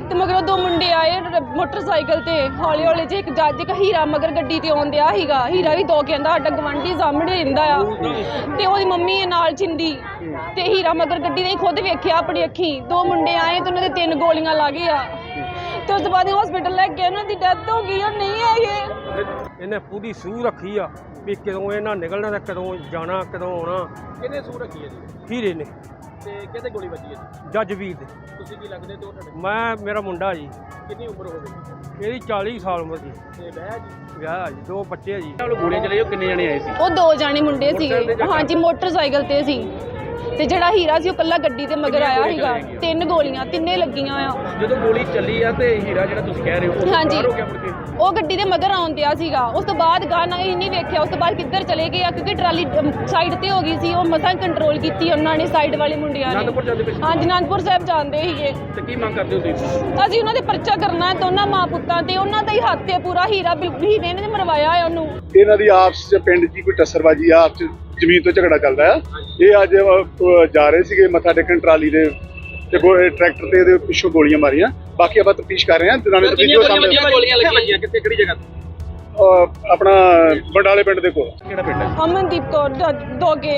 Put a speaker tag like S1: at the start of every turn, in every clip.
S1: ਤੇ ਮਗਰੋਂ ਦੋ ਮੁੰਡੇ ਆਏ ਮੋਟਰਸਾਈਕਲ ਤੇ ਹੌਲੀ ਹੌਲੀ ਜੇ ਇੱਕ ਜੱਜ ਇੱਕ ਹੀਰਾ ਮਗਰ ਗੱਡੀ ਤੇ ਆਉਂਦਿਆ ਸੀਗਾ। ਹੀਰਾ ਵੀ ਦੋ ਕਹਿੰਦਾ ਸਾਡਾ ਗਵਾਂਢੀ ਸਾਹਮਣੇ ਰਹਿੰਦਾ ਆ ਤੇ ਉਹਦੀ ਮੰਮੀ ਹੈ ਨਾਲ ਜਿੰਦੀ ਤੇ ਹੀਰਾ ਮਗਰ ਗੱਡੀ ਨੇ ਖੁਦ ਵੇਖਿਆ ਆਪਣੀ ਅੱਖੀਂ। ਦੋ ਮੁੰਡੇ ਆਏ ਤੇ ਉਹਨਾਂ ਦੇ 3 ਗੋਲੀਆਂ ਲੱਗ ਗਈਆਂ ਤੇ ਉਸ ਤੋਂ ਬਾਅਦ ਹਸਪੀਟਲ ਲੈ ਕੇ ਉਹਨਾਂ ਦੀ ਡੈਥ ਹੋ ਗਈ। ਉਹ ਨਹੀਂ ਹੈਗੇ।
S2: ਇਹਨੇ ਪੂਰੀ ਸੂਹ ਰੱਖੀ ਆ ਵੀ ਕਦੋਂ ਇਹਨਾਂ ਨਿਕਲਣਾ ਤੇ ਕਦੋਂ ਜਾਣਾ ਕਦੋਂ ਆਉਣਾ।
S3: ਕਿਹਨੇ ਸੂਹ ਰੱਖੀ ਹੈ ਜੀ?
S2: ਹੀਰੇ ਨੇ
S3: ਤੇ ਕਿਹਦੇ ਗੋਲੀ ਵੱਜੀ ਹੈ ਜੀ?
S2: ਜੱਜ ਵੀਰ ਦੇ।
S3: ਤੁਸੀਂ ਕੀ ਲੱਗਦੇ ਤੇ ਉਹ ਤੁਹਾਡੇ?
S2: ਮੇਰਾ ਮੁੰਡਾ ਜੀ,
S3: ਕਿੰਨੀ ਉਮਰ ਹੋਵੇਗੀ?
S2: ਇਹਦੀ 40 ਸਾਲ ਉਮਰ ਜੀ।
S3: ਤੇ ਵਿਆਹ ਜੀ?
S2: ਵਿਆਹ ਜੀ, 2 ਬੱਚੇ ਆ ਜੀ।
S3: ਨਾਲ ਗੋਲੀਆਂ ਚਲਾਈਆਂ, ਕਿੰਨੇ ਜਣੇ ਆਏ ਸੀ?
S1: ਉਹ 2 ਜਾਣੇ ਮੁੰਡੇ ਸੀਗੇ। ਹਾਂਜੀ ਮੋਟਰਸਾਈਕਲ ਤੇ ਸੀ ਤੇ ਜਿਹੜਾ ਹੀਰਾ ਸੀ ਉਹ ਕੱਲਾ ਗੱਡੀ ਤੇ ਮਗਰ ਆਇਆ ਸੀਗਾ। 3 ਗੋਲੀਆਂ ਤਿੰਨੇ ਲੱਗੀਆਂ ਆ।
S3: ਜਦੋਂ ਗੋਲੀ ਚੱਲੀ ਆ ਤੇ ਹੀਰਾ ਜਿਹੜਾ ਤੁਸੀਂ ਕਹਿ ਰਹੇ ਹੋ ਉਹ
S1: ਹਾਂਜੀ।
S3: ਬਾਹਰ ਹੋ ਗਿਆ ਮੁੜ ਕੇ?
S1: ਉਹ ਗੱਡੀ ਦੇ ਮਗਰ ਆਉਣ ਦਿਆ ਸੀਗਾ। ਉਸ ਤੋਂ ਬਾਅਦ ਗਾਣਾ ਹੀ ਨਹੀਂ ਵੇਖਿਆ। ਉਸ ਤੋਂ ਬਾਅਦ ਕਿੱਧਰ ਚਲੇ ਗਏ ਆ ਕਿਉਂਕਿ ਟਰਾਲੀ ਸਾਈਡ ਤੇ ਹੋ ਗਈ ਸੀ। ਉਹ ਮਸਾਂ ਕੰਟਰੋਲ ਕੀਤੀ ਉਹਨਾਂ ਨੇ ਸਾਈਡ ਵਾਲੇ ਮੁੰਡਿਆਂ ਨੇ।
S3: ਅਨੰਦਪੁਰ ਜਾਂਦੇ ਪਏ ਸੀ?
S1: ਹਾਂਜੀ ਅਨੰਦਪੁਰ ਸਾਹਿਬ ਜਾਂਦੇ ਸੀਗੇ।
S3: ਤੇ ਕੀ ਮੰਗ ਕਰਦੇ ਹੋ ਤੁਸੀਂ?
S1: ਅਸੀਂ ਉਹਨਾਂ ਦੇ ਪਰਚਾ ਕਰਨਾ ਹੈ ਦੋਨਾਂ ਮਾਂ ਪੁੱਤਾਂ ਤੇ। ਉਹਨਾਂ ਦਾ ਹੀ ਹੱਥ ਹੈ ਪੂਰਾ। ਹੀਰਾ ਹੀਰੇ ਨੇ ਮਰਵਾਇਆ ਹੈ ਉਹਨੂੰ।
S4: ਇਹਨਾਂ ਦੀ ਆਪਸ ਚ ਪਿੰਡ 'ਚ ਕੋਈ ਟੱਸਰਬਾਜੀ ਆ, ਆਪਸ ਚ ਜ਼ਮੀਨ ਤੋਂ ਝਗੜਾ ਚੱਲਦਾ ਆ। ਇਹ ਅੱਜ ਜਾ ਰਹੇ ਸੀਗੇ ਮੱਥਾ ਟੇਕਣ ਟਰਾਲੀ ਦੇ ਤੇ ਟਰੈਕਟਰ ਤੇ ਇਹਦੇ ਪਿੱਛੋਂ ਗੋਲੀਆਂ ਮਾਰੀਆਂ। ਬਾਕੀ ਆਪਾਂ ਤਫਤੀਸ਼ ਕਰ ਰਹੇ ਹਾਂ।
S3: ਗੋਲੀਆਂ ਲੱਗੀਆਂ ਕਿੱਥੇ ਕਿਹੜੀ ਜਗ੍ਹਾ ਤੇ?
S4: ਆਪਣਾ ਬੰਡਾਲੇ ਪਿੰਡ ਦੇ ਕੋਲ।
S3: ਕਿਹੜਾ ਪਿੰਡ ਹੈ?
S1: ਅਮਨਦੀਪ ਕੌਰ ਦੋਗੇ।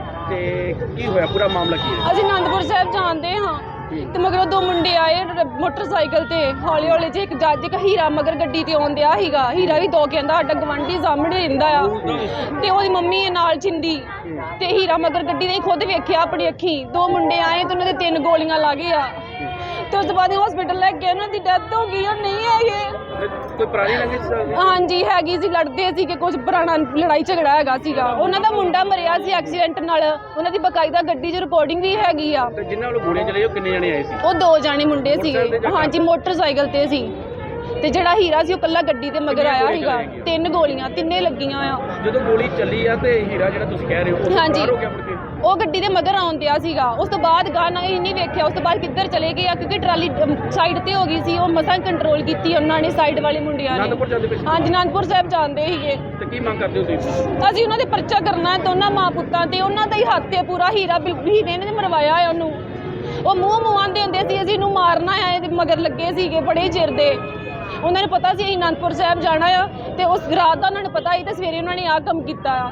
S3: ਤੇ ਕੀ ਹੋਇਆ, ਪੂਰਾ ਮਾਮਲਾ ਕੀ ਹੈ?
S1: ਅਸੀਂ ਅਨੰਦਪੁਰ ਸਾਹਿਬ ਜਾਂਦੇ ਹਾਂ ਤੇ ਮਗਰੋਂ 2 ਮੁੰਡੇ ਆਏ ਮੋਟਰਸਾਈਕਲ ਤੇ ਹੌਲੀ ਹੌਲੀ ਜੇ ਇੱਕ ਜੱਜ ਇੱਕ ਹੀਰਾ ਮਗਰ ਗੱਡੀ ਤੇ ਆਉਂਦਿਆ ਸੀਗਾ। ਹੀਰਾ ਵੀ 2 ਕਹਿੰਦਾ ਸਾਡਾ ਗਵਾਂਢੀ ਸਾਹਮਣੇ ਰਹਿੰਦਾ ਆ ਤੇ ਉਹਦੀ ਮੰਮੀ ਹੈ ਨਾਲ ਜਿੰਦੀ ਤੇ ਹੀਰਾ ਮਗਰ ਗੱਡੀ ਨੇ ਖੁਦ ਵੇਖਿਆ ਆਪਣੀ ਅੱਖੀਂ। 2 ਮੁੰਡੇ ਆਏ ਤੇ ਉਹਨਾਂ ਦੇ 3 ਗੋਲੀਆਂ ਲੱਗ ਗਈਆਂ ਤੇ ਉਸ ਤੋਂ ਬਾਅਦ ਹਸਪੀਟਲ ਲੈ ਕੇ ਉਹਨਾਂ ਦੀ ਡੈਥ ਹੋ ਗਈ। ਉਹ ਨਹੀਂ ਹੈਗੇ।
S3: ਕੋਈ ਪੁਰਾਣੀ ਰੰਜਿਸ਼?
S1: ਹਾਂਜੀ ਹੈਗੀ ਸੀ। ਲੜਦੇ ਸੀ ਕਿ ਕੁਝ ਪੁਰਾਣਾ ਲੜਾਈ ਝਗੜਾ ਹੈਗਾ ਸੀਗਾ। ਉਹਨਾਂ ਦਾ ਮੁੰਡਾ ਮਰਿਆ ਸੀ ਐਕਸੀਡੈਂਟ ਨਾਲ। ਉਹਨਾਂ ਦੀ ਬਕਾਇਦਾ ਗੱਡੀ 'ਚ ਰਿਕਾਰਡਿੰਗ ਵੀ ਹੈਗੀ ਆ।
S3: ਤੇ ਜਿਨ੍ਹਾਂ ਵੱਲੋਂ ਗੋਲੀਆਂ ਚਲਾਈਆਂ ਉਹ ਕਿੰਨੇ ਜਣੇ ਆਏ ਸੀ?
S1: ਉਹ 2 ਜਾਣੇ ਮੁੰਡੇ ਸੀਗੇ। ਹਾਂਜੀ ਮੋਟਰਸਾਈਕਲ ਤੇ ਸੀ ਤੇ ਜਿਹੜਾ ਹੀਰਾ ਸੀ ਉਹ ਕੱਲਾ ਗੱਡੀ ਤੇ ਮਗਰ ਆਇਆ ਸੀਗਾ। 3 ਗੋਲੀਆਂ ਤਿੰਨੇ ਲੱਗੀਆਂ ਆ।
S3: ਜਦੋਂ ਗੋਲੀ ਚੱਲੀ ਆ ਤੇ ਹੀਰਾ ਜਿਹੜਾ ਤੁਸੀਂ ਕਹਿ ਰਹੇ ਹੋ ਉਹ
S1: ਹਾਂਜੀ।
S3: ਬਾਹਰ ਹੋ ਗਿਆ ਮੁੜ ਕੇ?
S1: ਉਹ ਗੱਡੀ ਦੇ ਮਗਰ ਆਉਣ ਦਿਆ ਸੀਗਾ। ਉਸ ਤੋਂ ਬਾਅਦ ਗਾਣਾ ਹੀ ਨਹੀਂ ਵੇਖਿਆ। ਉਸ ਤੋਂ ਬਾਅਦ ਕਿੱਧਰ ਚਲੇ ਗਏ ਆ ਕਿਉਂਕਿ ਟਰਾਲੀ ਸਾਈਡ ਤੇ ਹੋ ਗਈ ਸੀ। ਉਹ ਮਸਾਂ ਕੰਟਰੋਲ ਕੀਤੀ ਉਹਨਾਂ ਨੇ ਸਾਈਡ ਵਾਲੇ ਮੁੰਡਿਆਂ ਨੇ।
S3: ਅਨੰਦਪੁਰ ਜਾਂਦੇ ਪਏ ਸੀ?
S1: ਹਾਂਜੀ ਅਨੰਦਪੁਰ ਸਾਹਿਬ ਜਾਂਦੇ ਸੀਗੇ।
S3: ਤੇ ਕੀ ਮੰਗ ਕਰਦੇ ਹੋ ਤੁਸੀਂ?
S1: ਅਸੀਂ ਉਹਨਾਂ ਦੇ ਪਰਚਾ ਕਰਨਾ ਹੈ ਦੋਨਾਂ ਮਾਂ ਪੁੱਤਾਂ ਤੇ। ਉਹਨਾਂ ਦਾ ਹੀ ਹੱਥ ਹੈ ਪੂਰਾ। ਹੀਰੇ ਨੇ ਮਰਵਾਇਆ ਹੈ ਉਹਨੂੰ। ਉਹ ਮੂੰਹ ਆਂਦੇ ਹੁੰਦੇ ਸੀ ਅਸੀਂ ਇਹਨੂੰ ਮਾਰਨਾ ਹੈ। ਇਹਦੇ ਮਗਰ ਲੱਗੇ ਸੀਗੇ ਬੜੇ ਚਿਰ ਦੇ। ਉਹਨਾਂ ਨੂੰ ਪਤਾ ਸੀ ਅਸੀਂ ਅਨੰਦਪੁਰ ਸਾਹਿਬ ਜਾਣਾ ਆ ਤੇ ਉਸ ਰਾਤ ਦਾ ਉਹਨਾਂ ਨੂੰ ਪਤਾ ਸੀ ਤੇ ਸਵੇਰੇ ਉਹਨਾਂ ਨੇ ਆਹ ਕੰਮ ਕੀਤਾ ਆ।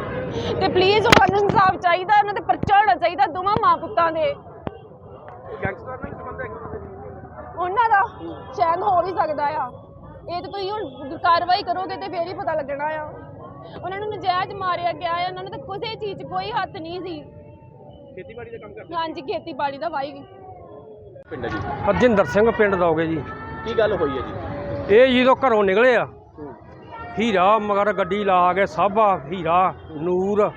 S1: ਤੇ ਪਲੀਜ਼ ਉਹਨਾਂ ਨੂੰ ਇਨਸਾਫ ਚਾਹੀਦਾ। ਉਹਨਾਂ ਦੇ ਪਰਚਾ ਹੋਣਾ ਚਾਹੀਦਾ ਦੋਵਾਂ ਮਾਂ ਪੁੱਤਾਂ ਦੇ।
S3: ਗੈਂਗਸਟਰ ਨਾਲ ਸੰਬੰਧ ਹੈ
S1: ਉਹਨਾਂ ਦਾ ਸ਼ਾਇਦ ਹੋ ਵੀ ਸਕਦਾ ਆ। ਇਹ ਤੇ ਤੁਸੀਂ ਹੁਣ ਕਾਰਵਾਈ ਕਰੋਗੇ ਤੇ ਫੇਰ ਹੀ ਪਤਾ ਲੱਗਣਾ ਆ। ਉਹਨਾਂ ਨੂੰ ਨਜਾਇਜ਼ ਮਾਰਿਆ ਗਿਆ ਆ। ਉਹਨਾਂ ਨੂੰ ਤਾਂ ਕਿਸੇ ਚੀਜ਼ 'ਚ ਕੋਈ ਹੱਥ ਨਹੀਂ ਸੀ।
S3: ਖੇਤੀਬਾੜੀ ਦਾ ਕੰਮ ਕਰਦੇ?
S1: ਹਾਂਜੀ ਖੇਤੀਬਾੜੀ ਦਾ ਵਾਈ।
S3: ਪਿੰਡ ਹੈ ਜੀ?
S2: ਹਰਜਿੰਦਰ ਸਿੰਘ ਪਿੰਡ ਦੋਗੇ ਜੀ।
S3: ਕੀ ਗੱਲ ਹੋਈ ਹੈ ਜੀ?
S2: ਇਹ ਜਦੋਂ ਘਰੋਂ ਨਿਕਲੇ ਆ ਹੀਰਾ ਮਗਰ ਗੱਡੀ ਲਾ ਕੇ ਸਾਬਾ ਹੀਰਾ ਨੂਰ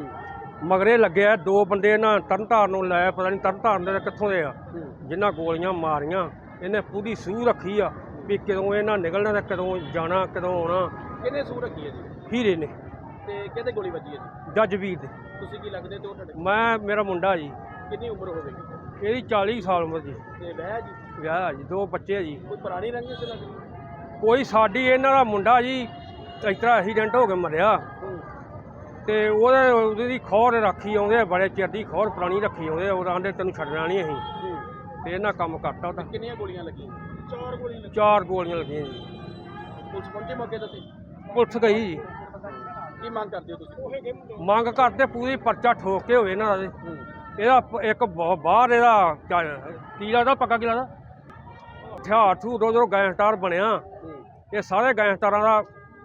S2: ਮਗਰੇ ਲੱਗਿਆ। 2 ਬੰਦੇ ਨਾ ਤਰਨਤਾਰਨ ਨੂੰ ਲੈ, ਪਤਾ ਨਹੀਂ ਤਰਨਤਾਰਨ ਦੇ ਕਿੱਥੋਂ ਦੇ ਆ, ਜਿਨ੍ਹਾਂ ਗੋਲੀਆਂ ਮਾਰੀਆਂ। ਇਹਨੇ ਪੂਰੀ ਸੂਹ ਰੱਖੀ ਆ ਵੀ ਕਦੋਂ ਇਹਨਾਂ ਨਿਕਲਣਾ ਤੇ ਕਦੋਂ ਜਾਣਾ ਕਦੋਂ ਆਉਣਾ।
S3: ਕਿਹਨੇ ਸੂਹ ਰੱਖੀ ਹੈ ਜੀ?
S2: ਹੀਰੇ ਨੇ।
S3: ਤੇ ਕਿਹਦੇ ਗੋਲੀ ਵੱਜੀ ਹੈ ਜੀ?
S2: ਜੱਜ ਵੀਰ ਦੇ।
S3: ਤੁਸੀਂ ਕੀ ਲੱਗਦੇ ਤੇ ਉਹ ਤੁਹਾਡੇ?
S2: ਮੇਰਾ ਮੁੰਡਾ ਜੀ,
S3: ਕਿੰਨੀ ਉਮਰ ਹੋਵੇਗੀ?
S2: ਇਹਦੀ 40 ਸਾਲ ਉਮਰ ਜੀ।
S3: ਤੇ ਵਿਆਹ ਜੀ?
S2: ਵਿਆਹ ਜੀ, 2 ਬੱਚੇ ਆ ਜੀ।
S3: ਕੋਈ ਪੁਰਾਣੀ ਰੰਜਿਸ਼ ਲੱਗਦੀ?
S2: ਕੋਈ ਸਾਡੀ ਇਹਨਾਂ ਦਾ ਮੁੰਡਾ ਜੀ ਇਸ ਤਰ੍ਹਾਂ ਐਕਸੀਡੈਂਟ ਹੋ ਕੇ ਮਰਿਆ ਤੇ ਉਹਦੀ ਖੌਰ ਰੱਖੀ ਆਉਂਦੇ ਬੜੇ ਚਿਰ ਦੀ ਖੌਰ ਪੁਰਾਣੀ ਰੱਖੀ ਆਉਂਦੇ। ਉਹ ਆਂਦੇ ਤੈਨੂੰ ਛੱਡਣਾ ਨਹੀਂ ਅਸੀਂ ਤੇ ਇਹਨਾਂ ਕੰਮ ਕਰਤਾ ਉਹਦਾ।
S3: ਕਿੰਨੀਆਂ ਗੋਲੀਆਂ ਲੱਗੀਆਂ? 4 ਗੋਲੀਆਂ ਲੱਗੀਆਂ।
S2: 4 ਗੋਲੀਆਂ ਲੱਗੀਆਂ ਜੀ।
S3: ਪੁਲਿਸ ਪਹੁੰਚੇ ਮੌਕੇ ਤੇ?
S2: ਪੁਲਿਸ ਗਈ ਜੀ।
S3: ਕੀ ਮੰਗ ਕਰਦੇ ਹੋ ਤੁਸੀਂ?
S2: ਮੰਗ ਕਰਦੇ ਪੂਰੀ ਪਰਚਾ ਠੋਕ ਕੇ ਹੋਵੇ ਇਹਨਾਂ ਦਾ। ਇਹਦਾ ਇੱਕ ਬਾਹਰ ਇਹਦਾ ਕੀ ਲੱਗਦਾ ਪੱਕਾ ਕੀ ਲੱਗਦਾ ਹਥਿਆਰ ਥੂ ਦੋ ਗੈਂਗਸਟਰ ਬਣਿਆ। ਇਹ ਸਾਰੇ ਗੈਂਗਸਟਰਾਂ ਦਾ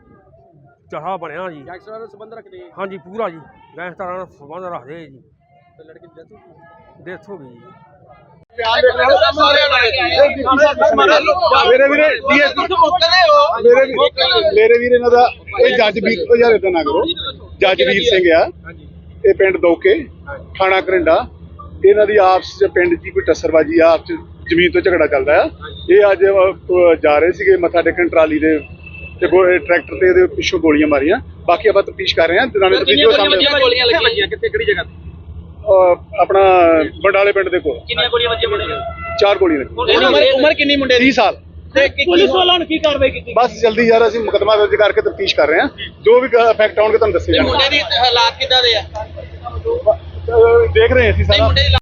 S2: ਚਾਹਾ ਬਣਿਆ ਜੀ।
S3: ਗੈਂਗਸਟਰਾਂ ਨਾਲ ਸੰਬੰਧ ਰੱਖਦੇ?
S2: ਹਾਂਜੀ ਪੂਰਾ ਜੀ ਗੈਂਗਸਟਰਾਂ ਨਾਲ ਸੰਬੰਧ ਰੱਖਦੇ ਜੀ।
S3: ਤੇ ਲੜਕੀ ਦੀ
S2: ਡੈਥ ਹੋ ਗਈ ਜੀ।
S4: ਮੇਰੇ ਵੀਰ ਇਹਨਾਂ ਦਾ ਇਹ ਜੱਜ ਵੀਰ ਉਹ ਯਾਰ ਇਦਾਂ ਨਾ ਕਰੋ। ਜੱਜ ਵੀਰ ਸਿੰਘ ਆ। ਇਹ ਪਿੰਡ ਦੋਕੇ ਥਾਣਾ ਘਰਿੰਡਾ। ਇਹਨਾਂ ਦੀ ਆਪਸ ਚ ਪਿੰਡ 'ਚ ਕੋਈ ਟੱਸਰਬਾਜੀ ਆ, ਆਪਸ ਚ ਜ਼ਮੀਨ ਤੋਂ ਝਗੜਾ ਚੱਲਦਾ ਆ। ਇਹ ਅੱਜ ਜਾ ਰਹੇ ਸੀਗੇ ਮੱਥਾ ਟੇਕਣ ਟਰਾਲੀ ਦੇ ਤੇ ਟਰੈਕਟਰ ਤੇ ਇਹਦੇ ਪਿੱਛੋਂ ਗੋਲੀਆਂ ਮਾਰੀਆਂ। ਬਾਕੀ ਆਪਾਂ ਤਫਤੀਸ਼ ਕਰ ਰਹੇ ਹਾਂ।
S3: ਗੋਲੀਆਂ ਲੱਗੀਆਂ ਕਿੱਥੇ ਕਿਹੜੀ ਜਗ੍ਹਾ ਤੇ?
S4: ਆਪਣਾ ਬੰਡਾਲੇ ਪਿੰਡ ਦੇ ਕੋਲ।
S3: ਕਿੰਨੀਆਂ ਗੋਲੀਆਂ ਵੱਜੀਆਂ ਮੁੰਡੇ ਨੂੰ?
S4: 4 ਗੋਲੀਆਂ ਲੱਗੀਆਂ।
S3: ਉਮਰ ਕਿੰਨੀ ਮੁੰਡੇ ਦੀ?
S4: 30 ਸਾਲ।
S3: ਤੇ ਪੁਲਿਸ ਵਾਲਿਆਂ ਨੇ ਕੀ ਕਾਰਵਾਈ ਕੀਤੀ?
S4: ਬਸ ਜਲਦੀ ਯਾਰ ਅਸੀਂ ਮੁਕੱਦਮਾ ਦਰਜ ਕਰਕੇ ਤਫਤੀਸ਼ ਕਰ ਰਹੇ ਹਾਂ। ਜੋ ਵੀ ਫੈਕਟ ਆਉਣਗੇ ਤੁਹਾਨੂੰ ਦੱਸੇ ਜਾਣਗੇ।
S3: ਮੁੰਡੇ ਦੀ ਹਾਲਾਤ ਕਿੱਦਾਂ ਦੇ ਆ?
S4: ਦੇਖ ਰਹੇ ਹਾਂ ਅਸੀਂ ਸਾਰਾ।